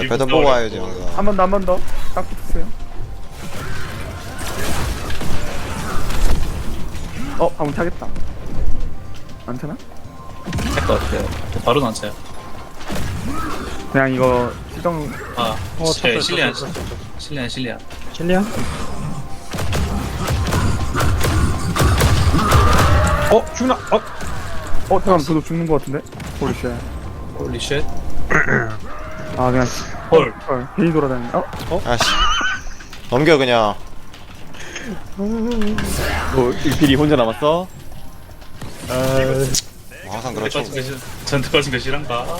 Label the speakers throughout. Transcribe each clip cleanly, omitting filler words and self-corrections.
Speaker 1: 배도 보고 와야지 뭔가.
Speaker 2: 한 번 더, 한 번 더. 딱 붙으세요. 방금 차겠다. 안 차나?
Speaker 3: 할것 같아요. 바로 안 차요.
Speaker 2: 그냥 이거 시정.
Speaker 3: 아,
Speaker 4: 찼어요,
Speaker 3: 실리안,
Speaker 4: 찼어요, 찼어요.
Speaker 3: 실리안, 실리안.
Speaker 4: 실리야? 죽나?
Speaker 2: 잠깐만, 저도 죽는 거 같은데? 홀리쉣.
Speaker 3: 홀리 쉣.
Speaker 2: 아, 그냥.
Speaker 3: 헐.
Speaker 2: 괜히 돌아다니네.
Speaker 1: 아씨. 넘겨 그냥.
Speaker 5: 일필이 혼자 남았어?
Speaker 1: 뭐 항상 그렇죠.
Speaker 3: 전투 빠진 거 실한가?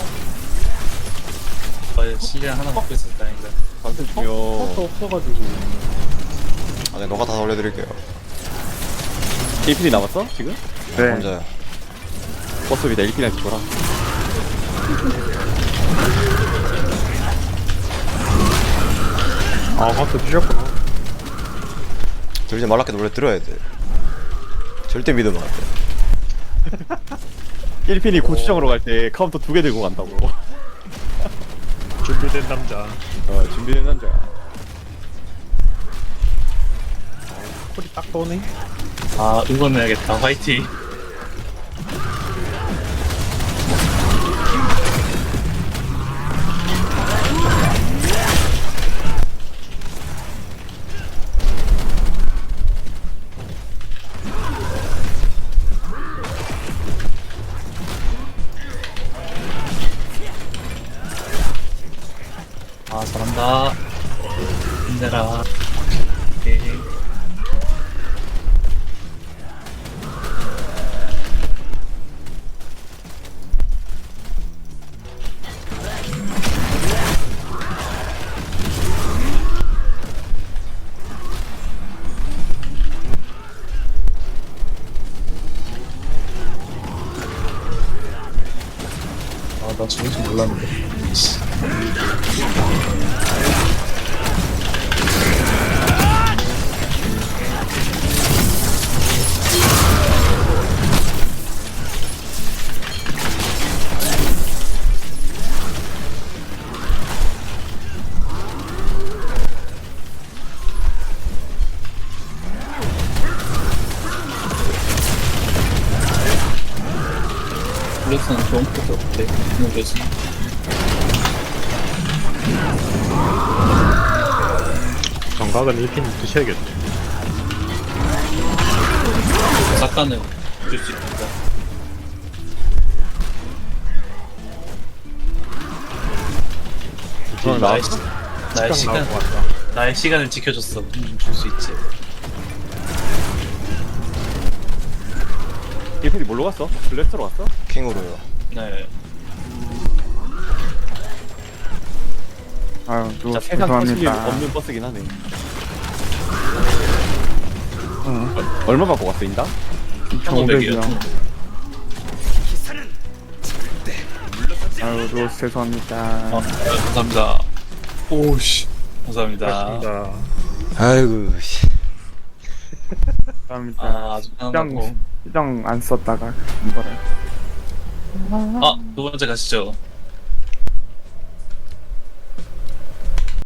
Speaker 3: 실리안 하나 먹고 있었다, 다행이다.
Speaker 5: 방금 중요.
Speaker 4: 없어가지고.
Speaker 1: 아, 네, 너가 다 올려드릴게요.
Speaker 5: 일필이 남았어? 지금?
Speaker 2: 네.
Speaker 1: 혼자요.
Speaker 5: 버스비다 일필한테 줘라.
Speaker 4: 박스 주셨구나.
Speaker 1: 들지 말라게 노래 들어야 돼. 절대 믿으면 안 돼.
Speaker 5: 일필이 고추장으로 갈 때 카운터 2개 들고 간다고.
Speaker 4: 준비된 남자.
Speaker 5: 준비된 남자.
Speaker 4: 콜이 딱 떠오네.
Speaker 3: 아, 응원해야겠다. 화이팅. 아, 잘한다. 힘내라. 오케이. 아, 나 저럴 줄 몰랐는데. 블랙스는 좋은 것도 없대. 너무 좋지.
Speaker 4: 정각은 1핀 드셔야겠네.
Speaker 3: 삭간을 줄 수 있다. 나의, 나의 시간,
Speaker 4: 나올 것 같다.
Speaker 3: 나의 시간을 지켜줬어. 줄 수 있지.
Speaker 5: 일필이 뭘로 갔어? 블랙스로 갔어?
Speaker 1: 킹으로요.
Speaker 3: 네.
Speaker 2: 아유,
Speaker 5: 진짜 세상 터질 일
Speaker 2: 죄송합니다.
Speaker 5: 없는 버스긴 하네. 얼마 받고 갔어, 인당?
Speaker 2: 2,500이요.
Speaker 3: 1500이요.
Speaker 2: 아유, 로스 죄송합니다.
Speaker 3: 감사합니다. 오우씨. 감사합니다.
Speaker 4: 고맙습니다.
Speaker 1: 아이고 씨.
Speaker 2: 감사합니다.
Speaker 3: 아, 아주 편하고.
Speaker 2: 시정 안 썼다가 이거를.
Speaker 3: 아, 두 번째 가시죠.